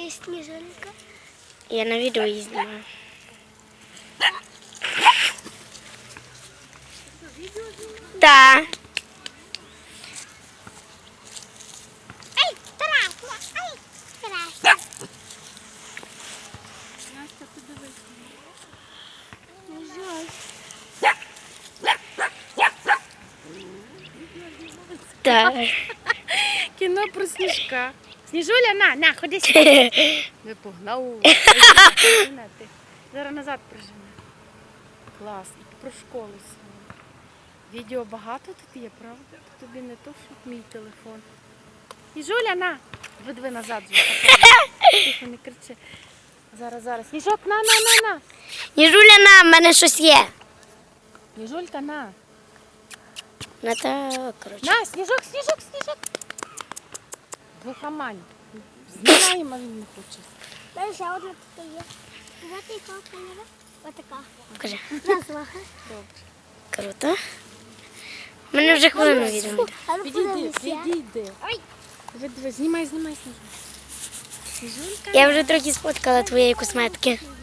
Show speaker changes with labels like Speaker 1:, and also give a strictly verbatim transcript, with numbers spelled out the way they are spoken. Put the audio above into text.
Speaker 1: є сніжинка.
Speaker 2: Я на відео її знімаю. Так.
Speaker 1: Ай, страшно, ай, страшно.
Speaker 3: Настя, подивись.
Speaker 1: Жаль.
Speaker 2: Так.
Speaker 3: Кіно про сніжка. Сніжуля, на, на, ходи сюди. Не погнав. Ти. Зараз назад прижини. Клас. І про школу сьогодні. Відео багато тут є, правда? Тобі не то, що мій телефон. Сніжуля, на. Видви назад. Тихо, не кричи. Зараз, зараз. Сніжок, на, на, на, на.
Speaker 2: Ніжуля, на, в мене щось є.
Speaker 3: Сніжулька, на.
Speaker 2: На так, коротше.
Speaker 3: На, сніжок, сніжок, сніжок. Глухомань. Знімаємо, він не хоче.
Speaker 1: Далі ще одна тут є. Знаєте, яка кольора? Отака.
Speaker 2: Покажи.
Speaker 1: Назва.
Speaker 3: Добре.
Speaker 2: Круто. У мене вже хвилину відео.
Speaker 1: А ну
Speaker 3: Підійди,
Speaker 1: подивися.
Speaker 3: підійди.
Speaker 1: Ой.
Speaker 3: Диви, диви, знімай, знімай, сніжок. Сніжулька.
Speaker 2: Я вже трохи сфоткала твоєї косметики.